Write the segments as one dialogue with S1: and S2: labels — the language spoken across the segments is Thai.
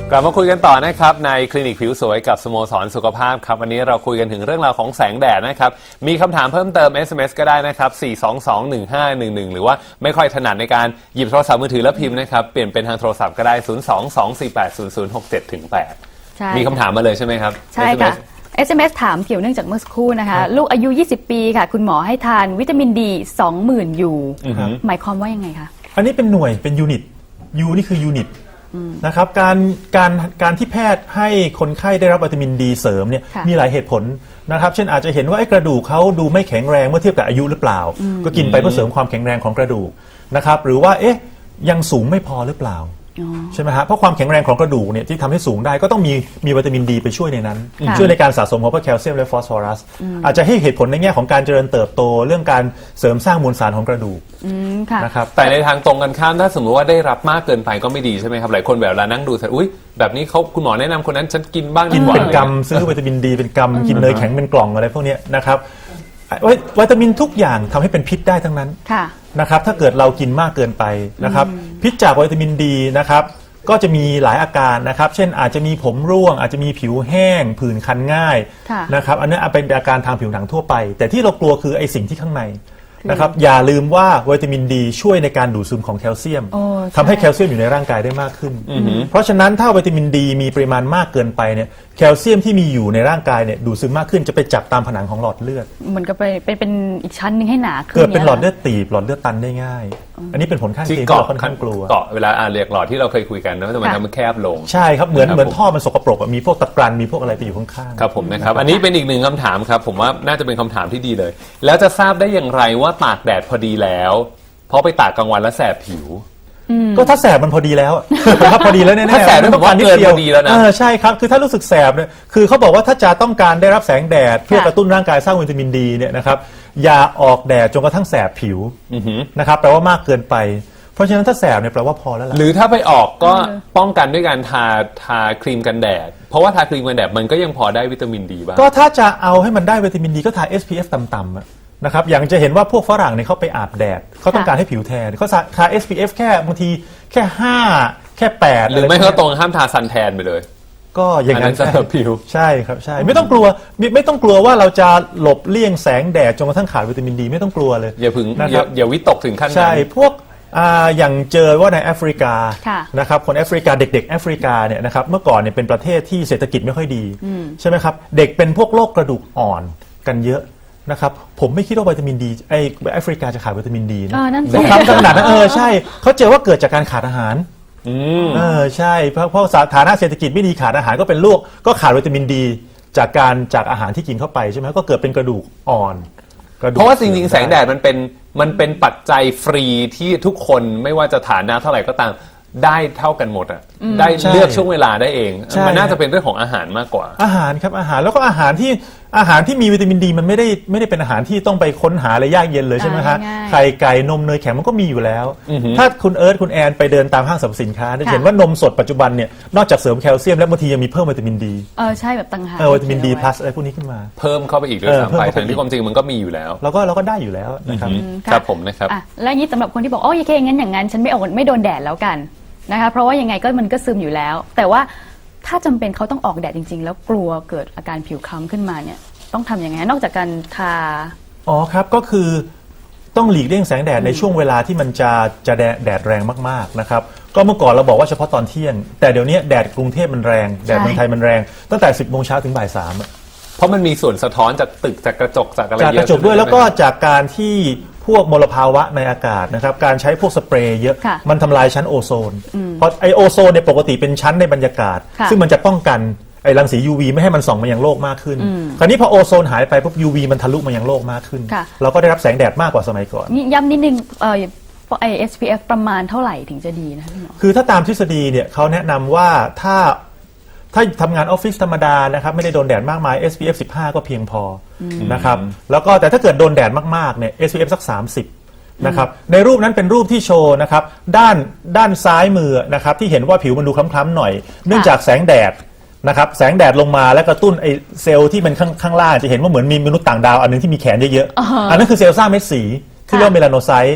S1: กลับมาคุยกันต่อนะครับในคลินิกผิวสวยกับสโมสรสุขภาพครับวันนี้เราคุยกันถึงเรื่องราวของแสงแดดนะครับมีคำถามเพิ่มเติม SMS ก็ได้นะครับ4221511หรือว่าไม่ค่อยถนัดในการหยิบโทรศัพท์มือถือแล้วพิมพ์นะครับเปลี่ยนเป็นทางโทรศัพท์ก็ได้022480067-8มีคำถามมาเลยใช่ไหมครับ
S2: ใช่ค่ะ SMS ถามเกี่ยวเนื่องจากเมื่อสักครู่นะคะลูกอายุ20ปีค่ะคุณหมอให้ทานวิตามินดี 20,000 ยูหมายความว่ายังไงคะ
S3: อันนี้เป็นหน่วยเป็นยูนิตยูนี่คือยูนิตนะครับการที่แพทย์ให้คนไข้ได้รับวิตามินดีเสริมเนี่ยมีหลายเหตุผลนะครับเช่นอาจจะเห็นว่ากระดูกเขาดูไม่แข็งแรงเมื่อเทียบกับอายุหรือเปล่าก็กินไปเพื่อเสริมความแข็งแรงของกระดูกนะครับหรือว่ายังสูงไม่พอหรือเปล่าใช่ไหมฮะเพราะความแข็งแรงของกระดูกเนี่ยที่ทำให้สูงได้ก็ต้องมีวิตามินดีไปช่วยในนั้นช่วยในการสะสมของพวกแคลเซียมและฟอสฟอรัสอาจจะให้เหตุผลในแง่ของการเจริญเติบโตเรื่องการเสริมสร้างมวลสารของกระดูก
S1: นะครับแต่ในทางตรงกันข้ามถ้าสมมติว่าได้รับมากเกินไปก็ไม่ดีใช่ไหมครับหลายคนแบบเรานั่งดูเสร็จอุ้ยแบบนี้เขาคุณหมอแนะนำคนนั้นฉันกินบ้าง
S3: กินเป็นกำซื้อวิตามินดีเป็นกำกินเนยแข็งเป็นกล่องอะไรพวกนี้นะครับวิตามินทุกอย่างทำให้เป็นพิษได้ทั้งนั้นนะครับถ้าเกิดเรากินมากเกินไปนะครับพิษจากวิตามินดีนะครับก็จะมีหลายอาการนะครับเช่นอาจจะมีผมร่วงอาจจะมีผิวแห้งผื่นคันง่ายนะครับอันนี้เป็นอาการทางผิวหนังทั่วไปแต่ที่เรากลัวคือไอ้สิ่งที่ข้างในนะครับอย่าลืมว่าวิตามินดีช่วยในการดูดซึมของแคลเซียมทำให้แคลเซียมอยู่ในร่างกายได้มากขึ้นเพราะฉะนั้นถ้าวิตามินดีมีปริมาณมากเกินไปเนี่ยแคลเซียมที่มีอยู่ในร่างกายเนี่ยดูดซึมมากขึ้นจะไปจับตามผนังของหลอดเลือด
S2: มันก็เป็นอีกชั้นนึงให้หนาขึ้น
S3: เกิดเป็นหลอดเลือดตีบหลอดเลือดตันได้ง่ายอันนี้เป็นผลข้างเคียงที่เราค่อนข้างกลัว
S1: เกาะเวลาเรียกหลอดที่เราเคยคุยกันนะว่ามันแคบลง
S3: ใช่ครับเหมือนท่อมันสกปรกมีพวกตะกรันมีพวกอะไรไปอยู่ข้าง
S1: ๆครับผมนะครับอันนี้เป็นอีกหนึ่งคำถามครับผมว่าน่าจะเป็นคำถามที่ดีเลยแล้วจะทราบได้อย่างไรว่าตากแดดพอดีแล้วเพราะไปตากกลางวันแล้วแสบผิว
S3: ก็ถ้าแสบมันพอดีแล้วครับพอดีแล้วแน่ๆ
S1: ถ้าแสบไม่ต้องการนิดเดียวพอดีแล้วนะ
S3: ใช่ครับคือถ้ารู้สึกแสบเนี่ยคือเขาบอกว่าถ้าจะต้องการได้รับแสงแดดเพื่อกระตุ้นร่างกายสร้างวิตามินดีเนี่ยนะครับอย่าออกแดดจนกระทั่งแสบผิวนะครับแปลว่ามากเกินไปเพราะฉะนั้นถ้าแสบเนี่ยแปลว่าพอแล้วล่ะ
S1: หรือถ้าไปออกก็ป้องกันด้วยการทาครีมกันแดดเพราะว่าทาครีมกันแดดมันก็ยังพอได้วิตามินดีบ้าง
S3: ก็ถ้าจะเอาให้มันได้วิตามินดีก็ทา SPF ต่ำๆนะครับอย่างจะเห็นว่าพวกฝรั่งเนี่ยเขาไปอาบแดดเขาต้องการให้ผิวแทนเขาทา SPF แค่บางทีแค่5แค่8
S1: หรือไม่เขาตรงห้ามทาซันแทนไปเลย
S3: ก็อย่างนั้น
S1: จะผิว
S3: ใช่ครับใช่ไม่ต้องกลัวว่าเราจะหลบเลี่ยงแสงแดดจนกระทั่งขาดวิตามินดีไม่ต้องกลัวเลย
S1: อย่าวิตกถึงขั้นนั้น
S3: ใช่พวกอย่างเจอว่าในแอฟริกานะครับคนแอฟริกาเด็กๆแอฟริกาเนี่ยนะครับเมื่อก่อนเนี่ยเป็นประเทศที่เศรษฐกิจไม่ค่อยดีใช่ไหมครับเด็กเป็นพวกโรคกระดูกอ่อนกันเยอะนะครับผมไม่คิดว่าวิตามินดีแอฟริกาจะขาดวิตามินดีนะนะครับขนาดนั้นใช่เขาเจอว่าเกิดจากการขาดอาหารใช่เพราะฐานะเศรษฐกิจไม่ดีขาดอาหารก็เป็นโรคก็ขาดวิตามินดีจากอาหารที่กินเข้าไปใช่ไหมก็เกิดเป็นกระดูกอ่อน
S1: เพราะว่าจริงๆแสงแดดมันเป็นปัจจัยฟรีที่ทุกคนไม่ว่าจะฐานะเท่าไหร่ก็ตามได้เท่ากันหมดอ่ะได้เลือกช่วงเวลาได้เองมันน่าจะเป็นเรื่องของอาหารมากกว่า
S3: อาหารครับอาหารแล้วก็อาหารที่มีวิตามินดีมันไม่ได้เป็นอาหารที่ต้องไปค้นหาอะไรยากเย็นเลยใช่ไหมฮะไข่ไก่นมเนยแข็งมันก็มีอยู่แล้วถ้าคุณเอิร์ธคุณแอนไปเดินตามห้างสรรพสินค้าจะเห็นว่านมสดปัจจุบันเนี่ยนอกจากเสริมแคลเซียมแล้วบางทียังมีเพิ่มวิตามินดี
S2: ใช่แบบต่างหาก
S3: วิตามินดีพลัสอะไรพวกนี้ขึ้นมา
S1: เพิ่มเข้าไปอีกด้วยซ้ำไปทั้งที่ความจริงมันก็มีอยู่แล้ว
S3: เราก็ได้อยู่แล้วนะครับ
S1: ครับผมนะครับ
S2: และนี้สำหรับคนที่บอกโอเคงั้นอย่างนั้นฉันไม่โดนแดดแล้วกันนะคะเพราะว่ายังไงก็มันก็ซึมอยู่แล้วแต่ว่าถ้าจำเป็นเขาต้องออกแดดจริงๆแล้วกลัวเกิดอาการผิวคล้ำขึ้นมาเนี่ยต้องทำยังไงนอกจากการทา
S3: ครับก็คือต้องหลีกเลี่ยงแสงแดดในช่วงเวลาที่มันจะแดดแรงมากๆนะครับก็เมื่อก่อนเราบอกว่าเฉพาะตอนเที่ยงแต่เดี๋ยวนี้แดดกรุงเทพมันแรงแดดเมืองไทยมันแรงตั้งแต่ 10 โมงเช้าถึงบ่าย 3
S1: เพราะมันมีส่วนสะท้อนจากตึกจากกระจกจากอะไรเยอะ
S3: จากกระจกด้วยแล้วก็จากการที่พวกมลภาวะในอากาศนะครับการใช้พวกสเปรย์เยอะมันทำลายชั้นโอโซนเพราะไอโอโซนในปกติเป็นชั้นในบรรยากาศซึ่งมันจะป้องกันไอรังสี UV ไม่ให้มันส่องมายังโลกมากขึ้นคราวนี้พอโอโซนหายไปปุ๊บ UV มันทะลุมายังโลกมากขึ้นเราก็ได้รับแสงแดดมากกว่าสมัยก่อน
S2: นี่ย้ำนิดนึงSPF ประมาณเท่าไหร่ถึงจะดีนะพี่หมอ
S3: คือถ้าตามทฤษฎีเนี่ยเขาแนะนำว่าถ้าทำงานออฟฟิศธรรมดานะครับไม่ได้โดนแดดมากมาย SPF 15 ก็เพียงพอนะครับแล้วก็แต่ถ้าเกิดโดนแดดมากๆเนี่ย SPF สัก 30นะครับในรูปนั้นเป็นรูปที่โชว์นะครับด้านซ้ายมือนะครับที่เห็นว่าผิวมันดูคล้ำๆหน่อยเนื่องจากแสงแดดนะครับแสงแดดลงมาและกระตุ้นไอเซลล์ที่มันข้างล่างจะเห็นว่าเหมือนมีมนุษย์ต่างดาวอันนึงที่มีแขนเยอะๆอันนั้นคือเซลล์สร้างเม็ดสีที่เรียกว่าเมลาโนไซต์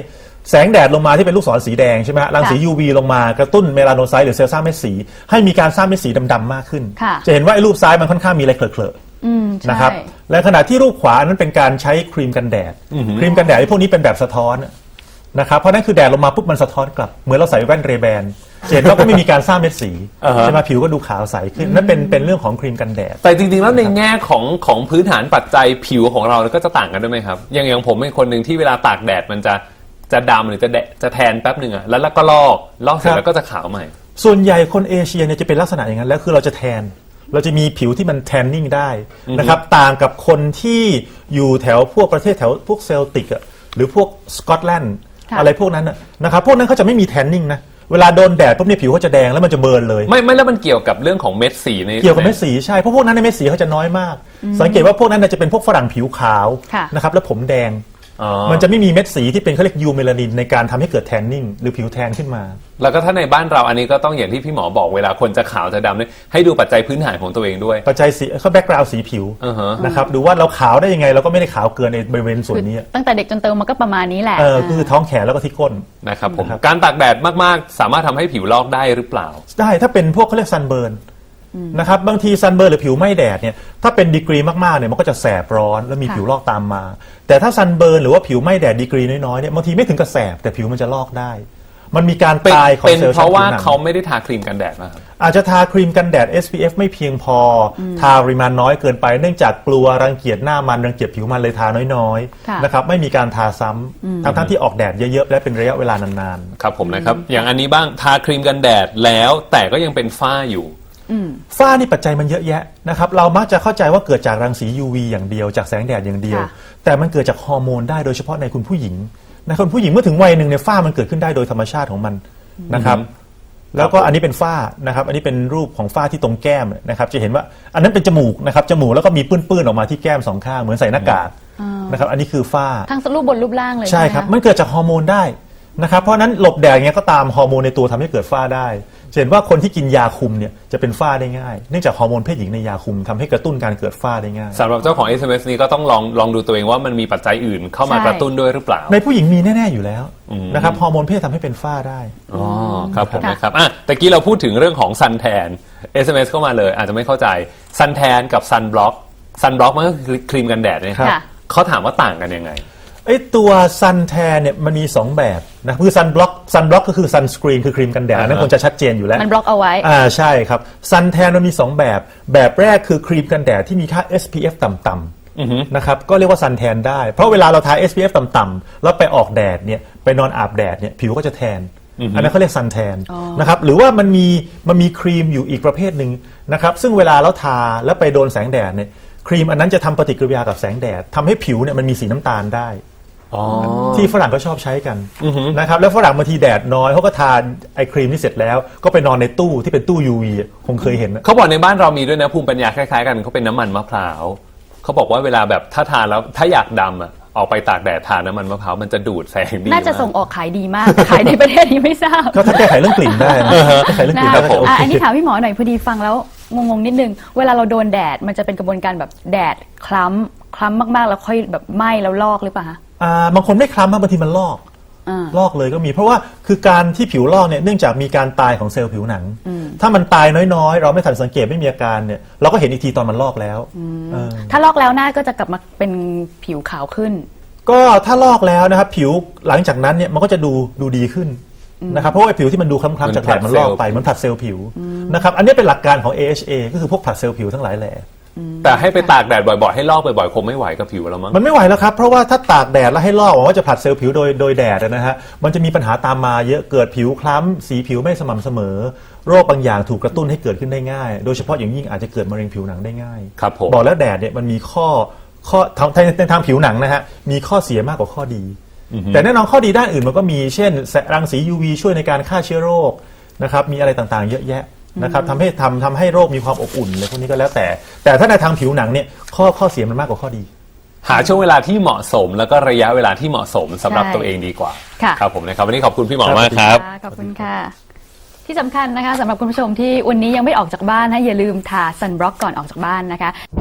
S3: แสงแดดลงมาที่เป็นลูกศรสีแดงใช่ไหมฮะรังสี UV ลงมากระตุ้นเมลาโนไซต์หรือเซลล์สร้างเม็ดสีให้มีการสร้างเม็ดสีดำๆมากขึ้น
S2: ค่ะ
S3: จะเห็นว่าไอ้รูปซ้ายมันค่อนข้างมีอะไรเคลอะๆนะครับและขณะที่รูปขวานั้นเป็นการใช้ครีมกันแดดครีมกันแดดไอ้พวกนี้เป็นแบบสะท้อนนะครับเพราะนั่นคือแดดลงมาปุ๊บมันสะท้อนกลับเหมือนเราใส่แว่นเรแบนเห็นว่าก็ไม่มีการสร้างเม็ดสีใช่ไหมผิวก็ดูขาวใสขึ้นนั่นเป็นเรื่องของครีมกันแดด
S1: แต่จริงๆแล้วในแง่ของพื้นฐานปัจจัยผิวของเราก็จะต่างกันด้วยไหมครับอย่างผมเป็นคนหนึ่งที่เวลาตากแดดมันจะดำหรือจะแทนแป๊บหนึ่งอะแล้วก็ลอกเสร็จแล้วก็จะขาวใหม่
S3: ส่วนใหญ่คนเอเชียเนี่ยจะเป็นลักษณะอย่างนั้นแล้วคือเราจะแทนเราจะมีผิวที่มันแทนนิ่งได้นะครับต่างกับคนที่อยู่แถวพวกประเทศแถวพวกเซลติกอะหรือพวกสกอตแลนด์อะไรพวกนั้นนะครับพวกนั้นเขาจะไม่มีแทนนิ่งนะเวลาโดนแดดปุ๊บเนี่ยผิวเขาจะแดงแล้วมันจะเบิร์นเลย
S1: ไม่แล้วมันเกี่ยวกับเรื่องของเม็ดสีใน
S3: เกี่ยวกับเม็ดสีใช่เพราะพวกนั้นในเม็ดสีเขาจะน้อยมากสังเกตว่าพวกนั้นจะเป็นพวกฝรั่งผิวขาวนะครับแล้วผมแดงมันจะไม่มีเม็ดสีที่เป็นเขาเรียกยูเมลานินในการทำให้เกิดแทนนิ่งหรือผิวแทนขึ้นมา
S1: แล้วก็ถ้าในบ้านเราอันนี้ก็ต้องอย่างที่พี่หมอบอกเวลาคนจะขาวจะดำเนี่ยให้ดูปัจจัยพื้นฐานของตัวเองด้วย
S3: ปัจจัยสีเขาแบ็กกราวด์สีผิวนะครับดูว่าเราขาวได้ยังไงเราก็ไม่ได้ขาวเกินในบริเวณส่วนนี้
S2: ตั้งแต่เด็กจนโตมันก็ประมาณนี้แหละ
S3: คือท้องแขนแล้วก็ที่ก้น
S1: นะครับผมการตากแดดมากๆสามารถทำให้ผิวลอกได้หรือเปล่า
S3: ได้ถ้าเป็นพวกเขาเรียกซันเบิร์นนะครับบางทีซันเบิร์นหรือผิวไหม้แดดเนี่ยถ้าเป็นดีกรีมากๆเนี่ยมันก็จะแสบร้อนแล้วมีผิวลอกตามมาแต่ถ้าซันเบิร์นหรือว่าผิวไหม้แดดดีกรีน้อยๆเนี่ยบางทีไม่ถึงกับแสบแต่ผิวมันจะลอกได้มันมีการตายของเซลล์
S1: เป็นเพราะว่าเขาไม่ได้ทาครีมกันแดดมาครับ
S3: อาจจะทาครีมกันแดด SPF ไม่เพียงพอทาปริมาณน้อยเกินไปเนื่องจากกลัวรังเกียจหน้ามันรังเกียจผิวมันเลยทาน้อยๆนะครับไม่มีการทาซ้ำทั้งที่ออกแดดเยอะๆและเป็นระยะเวลานาน
S1: ๆครับผมนะครับอย่างอันนี้บ้างทาครีมกันแดดแล้วแต่ก็ยังเป็นฝ้าอยู่
S3: ฝ้านี่ปัจจัยมันเยอะแยะนะครับเรามักจะเข้าใจว่าเกิดจากรังสี UV อย่างเดียวจากแสงแดดอย่างเดียวแต่มันเกิดจากฮอร์โมนได้โดยเฉพาะในคุณผู้หญิงในคนผู้หญิงเมื่อถึงวัยหนึ่งเนี่ยฝ้ามันเกิดขึ้นได้โดยธรรมชาติของมันนะครับแล้วก็อันนี้เป็นฝ้านะครับอันนี้เป็นรูปของฝ้าที่ตรงแก้มนะครับจะเห็นว่าอันนั้นเป็นจมูกนะครับจมูกแล้วก็มีปื้นๆออกมาที่แก้มสองข้างเหมือนใส่หน้ากากนะครับอันนี้คือฝ้า
S2: ทั้งรูปบนรูปล่างเลย
S3: ใช่ครับมันเกิดจากฮอร์โมนได้นะครับเพราะนั้นหลบแดดอย่างเงี้ยก็ตามฮอร์โมนในตัวทำให้เกิดฝ้าได้เห็นว่าคนที่กินยาคุมเนี่ยจะเป็นฝ้าได้ง่ายเนื่องจากฮอร์โมนเพศหญิงในยาคุมทำให้กระตุ้นการเกิดฝ้าได้ง่าย
S1: สำหรับเจ้าของ SMS นี้ก็ต้องลองดูตัวเองว่ามันมีปัจจัยอื่นเข้ามากระตุ้นด้วยหรือเปล่า
S3: ในผู้หญิงมีแน่ๆอยู่แล้วนะครับฮอร์โมนเพศทำให้เป็นฝ้าได้
S1: อ๋อครับผมนะครับตะกี้เราพูดถึงเรื่องของซันแทน SMS เข้ามาเลยอาจจะไม่เข้าใจซันแทนกับซันบล็อกมันก็คือครีมกันแดดนะครับเขาถามว่าต่างกันยังไง
S3: ไอ้ตัวซันแทนเนี่ยมันมี2แบบนะคือซันบล็อกก็คือซันสกรีนคือครีมกันแดดนั่นคงจะชัดเจนอยู่แล้ว
S2: มันบล็อกเอาไว้
S3: ใช่ครับซันแทนมันมี2แบบแรกคือครีมกันแดดที่มีค่า SPF ต่ำๆนะครับก็เรียกว่าซันแทนได้เพราะเวลาเราทา SPF ต่ำๆแล้วไปออกแดดเนี่ยไปนอนอาบแดดเนี่ยผิวก็จะแทนอันนั้นเขาเรียกซันแทนนะครับหรือว่ามันมีครีมอยู่อีกประเภทหนึ่งนะครับซึ่งเวลาเราทาแล้วไปโดนแสงแดดเนี่ยครีมอันนั้นจะทำปฏิกิริยากับแสงแดดทำให้ผิวเนี่ยมันมีสีน้ำตาลได้ที่ฝรั่งก็ชอบใช้กันนะครับแล้วฝรั่งบางทีแดดน้อยเขาก็ทานไอครีมที่เสร็จแล้วก็ไปนอนในตู้ที่เป็นตู้ UV คงเคยเห็น
S1: เขาบอกในบ้านเรามีด้วยนะภูมิปัญญาคล้ายๆกันเขาเป็นน้ำมันมะพร้าวเขาบอกว่าเวลาแบบถ้าทานแล้วถ้าอยากดำออกไปตากแดดทานน้ำมันมะพร้าวมันจะดูดแสงดี
S2: น่าจะส่งออกขายดีมากขายในประเทศนี้ไม่ทราบ
S3: ก็ถ้าแก้ไขเรื่องกลิ่นได้แก้ไขเรื่องกลิ่นได้
S2: อันนี้ถามพี่หมอหน่อยพอดีฟังแล้วงงนิดนึงเวลาเราโดนแดดมันจะเป็นกระบวนการแบบแดดคล้ำมากๆแล้วค่อยแบบไหม้แล้วลอกหรือเปล่าคะ
S3: บางคนไม่คล้ำบางทีมันลอกเลยก็มีเพราะว่าคือการที่ผิวลอกเนี่ยเนื่องจากมีการตายของเซลล์ผิวหนังถ้ามันตายน้อยๆเราไม่ทันสังเกตไม่มีอาการเนี่ยเราก็เห็นอีกทีตอนมันลอกแล้ว
S2: ถ้าลอกแล้วหน้าก็จะกลับมาเป็นผิวขาวขึ้น
S3: ก็ถ้าลอกแล้วนะครับผิวหลังจากนั้นเนี่ยมันก็จะดูดีขึ้นนะครับเพราะว่าผิวที่มันดูคล้ำๆจากแดดมันลอกไปมันผลัดเซลล์ผิวนะครับอันนี้เป็นหลักการของ AHA ก็คือพวกผลัดเซลล์ผิวทั้งหลายแหล่
S1: แต่ให้ไปตากแดดบ่อยๆให้ลอกบ่อยๆคงไม่ไหวกับผิวแล้วมั้ง
S3: มันไม่ไหวแล้วครับเพราะว่าถ้าตากแดดแล้วให้ลอกหวังว่าจะผลัดเซลล์ผิวโดยแดดนะฮะมันจะมีปัญหาตามมาเยอะเกิดผิวคล้ำสีผิวไม่สม่ำเสมอโรคบางอย่างถูกกระตุ้นให้เกิดขึ้นได้ง่ายโดยเฉพาะอย่างยิ่งอาจจะเกิดมะเร็งผิวหนังได้ง่าย
S1: ครับผม
S3: บอกแล้วแดดเนี่ยมันมีข้อในทางผิวหนังนะฮะมีข้อเสียมากกว่าข้อดีแต่แน่นอนข้อดีด้านอื่นมันก็มีเช่นรังสี UV ช่วยในการฆ่าเชื้อโรคนะครับมีอะไรต่างๆเยอะแยะนะครับทำให้โรคมีความอบอุ่นอะไรพวกนี้ก็แล้วแต่ถ้าในทางผิวหนังเนี่ยข้อเสียมันมากกว่าข้อดี
S1: หาช่วงเวลาที่เหมาะสมแล้วก็ระยะเวลาที่เหมาะสมสำหรับตัวเองดีกว่าครับผมนะครับวันนี้ขอบคุณพี่หมอมากครับ
S2: ขอบคุณค่ะที่สำคัญนะคะสำหรับคุณผู้ชมที่วันนี้ยังไม่ออกจากบ้านนะอย่าลืมทาซันบล็อกก่อนออกจากบ้านนะคะ